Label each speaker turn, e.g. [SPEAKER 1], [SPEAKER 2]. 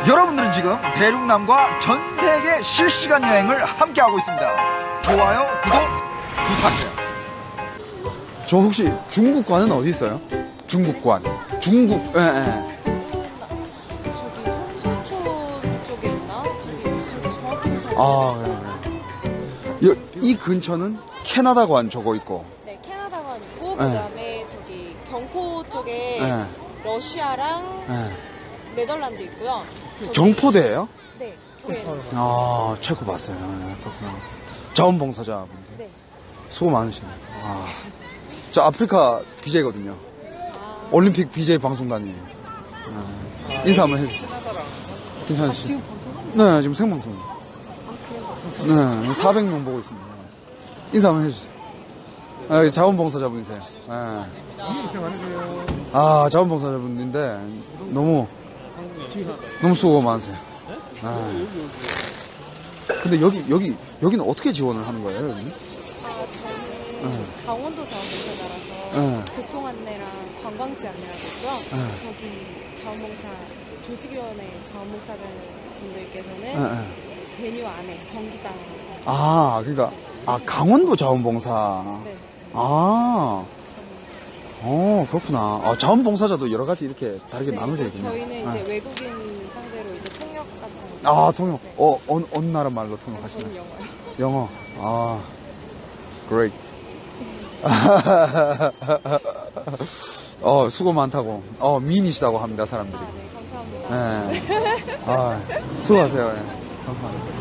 [SPEAKER 1] 여러분들은 지금 대륙남과 전세계 실시간 여행을 함께하고 있습니다. 좋아요, 구독 부탁해요.
[SPEAKER 2] 저 혹시 중국관은 어디 있어요? 중국관. 중국, 예.
[SPEAKER 3] 저기 성수촌 쪽에 있나? 저기 잘 정확히는 잘
[SPEAKER 2] 아,
[SPEAKER 3] 모르겠어요.
[SPEAKER 2] 그래. 이 근처는 캐나다관 저거 있고.
[SPEAKER 3] 네, 캐나다관 있고
[SPEAKER 2] 네.
[SPEAKER 3] 그다음에 저기 경포 쪽에
[SPEAKER 2] 네.
[SPEAKER 3] 러시아랑
[SPEAKER 2] 예.
[SPEAKER 3] 네덜란드 있고요. 저기-
[SPEAKER 2] 경포대예요?
[SPEAKER 3] 네, 교회는.
[SPEAKER 2] 아, 체코 봤어요. 네, 그렇구나. 자원봉사자분들.
[SPEAKER 3] 네.
[SPEAKER 2] 수고 많으시네요. 아, 저 아프리카 BJ거든요. 올림픽 BJ 방송단이에요. 인사 한번 해주세요. 괜찮으시죠?
[SPEAKER 3] 지금 방송?
[SPEAKER 2] 네, 지금 생방송. 네, 400명 보고 있습니다. 인사 한번 해주세요. 아, 자원봉사자분이세요. 네. 아, 자원봉사자분인데 너무 수고 많으세요. 아. 근데 여기는 어떻게 지원을 하는 거예요, 여기?
[SPEAKER 3] 저는 강원도 자원봉사자라서 교통 안내랑 관광지 안내하고 있고요. 저기 자원봉사 조직위원회 자원봉사자 분들께서는 베뉴 안에 경기장.
[SPEAKER 2] 아, 그러니까 강원도 자원봉사.
[SPEAKER 3] 네.
[SPEAKER 2] 그렇구나. 아, 자원봉사자도 여러 가지 이렇게 다르게
[SPEAKER 3] 네,
[SPEAKER 2] 나눠져
[SPEAKER 3] 그래서
[SPEAKER 2] 있군요.
[SPEAKER 3] 저희는 이제 외국인 상대로 이제 통역 같은 거.
[SPEAKER 2] 아, 통역.
[SPEAKER 3] 네.
[SPEAKER 2] 어느 나라 말로 통역하시나요?
[SPEAKER 3] 저는 영어요.
[SPEAKER 2] 영어. 아, great. 수고 많다고. 미인이시다고 합니다, 사람들이.
[SPEAKER 3] 네, 감사합니다.
[SPEAKER 2] 네. 수고하세요. 예. 감사합니다.